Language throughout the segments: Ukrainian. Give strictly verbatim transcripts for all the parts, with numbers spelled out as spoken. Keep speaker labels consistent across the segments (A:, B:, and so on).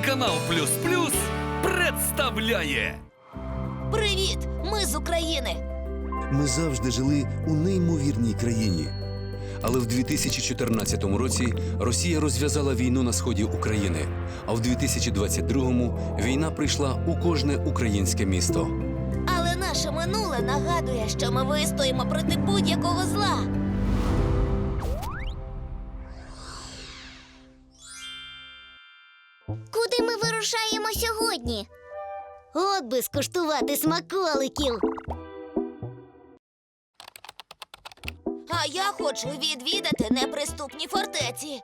A: Телеканал Плюс Плюс представляє.
B: Привіт! Ми з України.
C: Ми завжди жили у неймовірній країні. Але в дві тисячі чотирнадцятому році Росія розв'язала війну на сході України, а в дві тисячі двадцять другому війна прийшла у кожне українське місто.
B: Але наше минуле нагадує, що ми вистоїмо проти будь-якого зла.
D: Куди ми вирушаємо сьогодні? От би скуштувати смаколиків.
B: А я хочу відвідати неприступні фортеці.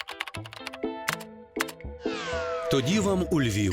C: Тоді вам у Львів.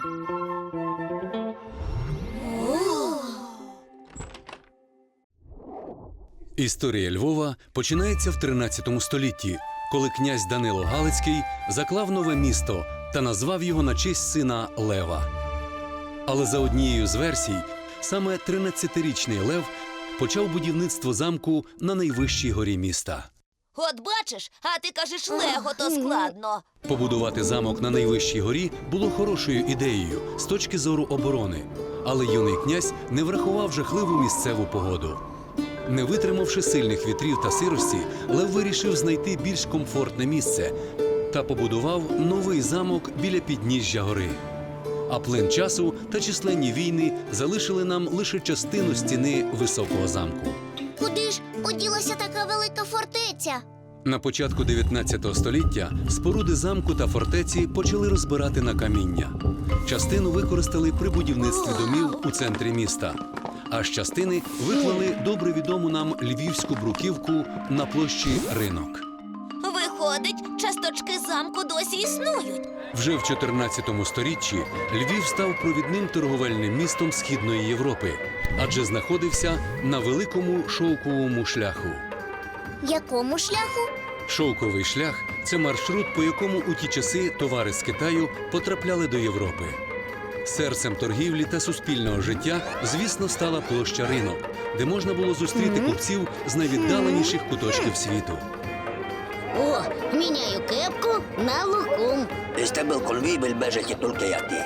C: Історія Львова починається в тринадцятому столітті, коли князь Данило Галицький заклав нове місто та назвав його на честь сина Лева. Але за однією з версій, саме тринадцятирічний Лев почав будівництво замку на найвищій горі міста.
B: От бачиш, а ти кажеш лего, то складно.
C: Побудувати замок на найвищій горі було хорошою ідеєю з точки зору оборони, але юний князь не врахував жахливу місцеву погоду. Не витримавши сильних вітрів та сирості, Лев вирішив знайти більш комфортне місце та побудував новий замок біля підніжжя гори. А плин часу та численні війни залишили нам лише частину стіни високого замку.
D: Куди ж поділася така велика фортеця?
C: На початку дев'ятнадцятого століття споруди замку та фортеці почали розбирати на каміння. Частину використали при будівництві домів у центрі міста, а з частини виклали добре відому нам львівську бруківку на площі Ринок.
B: Виходить, часточки замку досі існують.
C: Вже в чотирнадцятому сторіччі Львів став провідним торговельним містом Східної Європи, адже знаходився на великому шовковому шляху.
D: Якому шляху?
C: Шовковий шлях – це маршрут, по якому у ті часи товари з Китаю потрапляли до Європи. Серцем торгівлі та суспільного життя, звісно, стала площа Ринок, де можна було зустріти купців з найвіддаленіших куточків світу.
D: О, міняю кепку на лукум.
E: استقبل قلبي بالباجة التركية.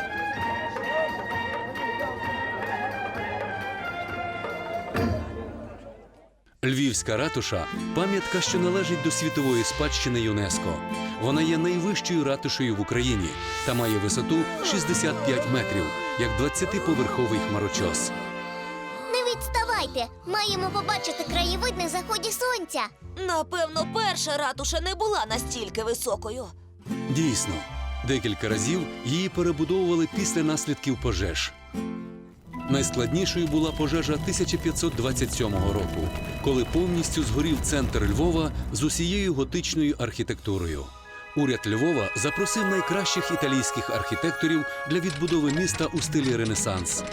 C: Львівська ратуша – пам'ятка, що належить до світової спадщини ЮНЕСКО. Вона є найвищою ратушею в Україні та має висоту шістдесят п'ять метрів, як двадцятиповерховий хмарочос.
D: Не відставайте, маємо побачити краєвид на заході сонця.
B: Напевно, перша ратуша не була настільки високою.
C: Дійсно, декілька разів її перебудовували після наслідків пожеж. Найскладнішою була пожежа тисяча п'ятсот двадцять сьомого року, коли повністю згорів центр Львова з усією готичною архітектурою. Уряд Львова запросив найкращих італійських архітекторів для відбудови міста у стилі Ренесанс.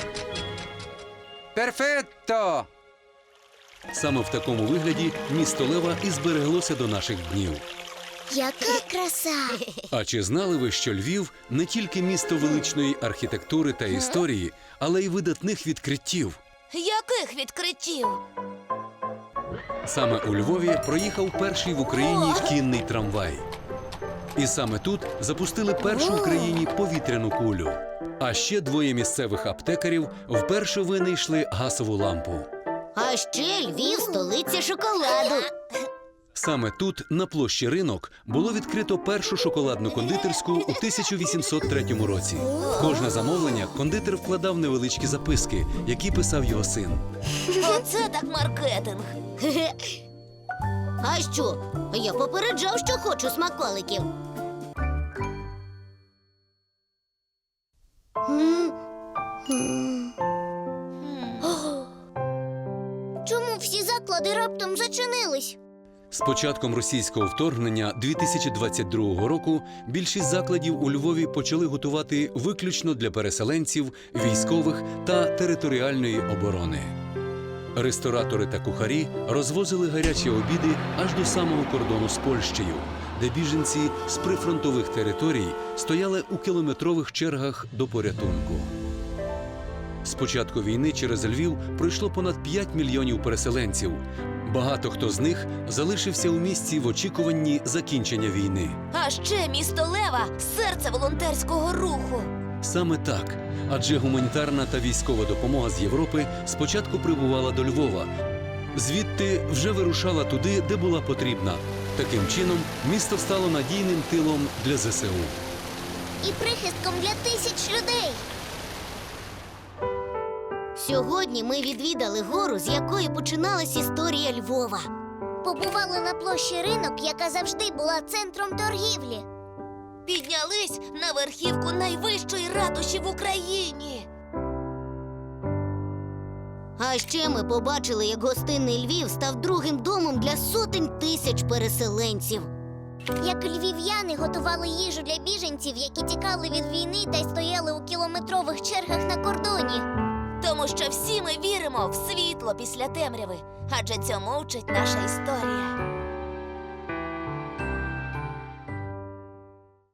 F: Перфетто!
C: Саме в такому вигляді місто Лева і збереглося до наших днів.
D: Яка краса!
C: А чи знали ви, що Львів – не тільки місто величної архітектури та історії, але й видатних відкриттів?
B: Яких відкриттів?
C: Саме у Львові проїхав перший в Україні кінний трамвай. І саме тут запустили першу в країні повітряну кулю. А ще двоє місцевих аптекарів вперше винайшли газову лампу.
D: А ще Львів – столиця шоколаду.
C: Саме тут, на площі Ринок, було відкрито першу шоколадну кондитерську у тисяча вісімсот третьому році. В кожне замовлення кондитер вкладав невеличкі записки, які писав його син.
B: Оце так маркетинг.
D: А що? Я попереджав, що хочу смаколиків. М? М. Чому всі заклади раптом зачинились?
C: З початком російського вторгнення дві тисячі двадцять другого року більшість закладів у Львові почали готувати виключно для переселенців, військових та територіальної оборони. Ресторатори та кухарі розвозили гарячі обіди аж до самого кордону з Польщею, де біженці з прифронтових територій стояли у кілометрових чергах до порятунку. З початку війни через Львів пройшло понад п'ять мільйонів переселенців. Багато хто з них залишився у місті в очікуванні закінчення війни.
B: А ще місто Лева – серце волонтерського руху.
C: Саме так, адже гуманітарна та військова допомога з Європи спочатку прибувала до Львова. Звідти вже вирушала туди, де була потрібна. Таким чином, місто стало надійним тилом для зе се у.
D: І прихистком для тисяч людей. Сьогодні ми відвідали гору, з якої починалась історія Львова. Побували на площі Ринок, яка завжди була центром торгівлі.
B: Піднялись на верхівку найвищої ратуші в Україні.
D: А ще ми побачили, як гостинний Львів став другим домом для сотень тисяч переселенців. Як львів'яни готували їжу для біженців, які тікали від війни та й стояли у кілометрових чергах на кордоні.
B: Тому що всі ми віримо в світло після темряви, адже цьому вчить наша історія.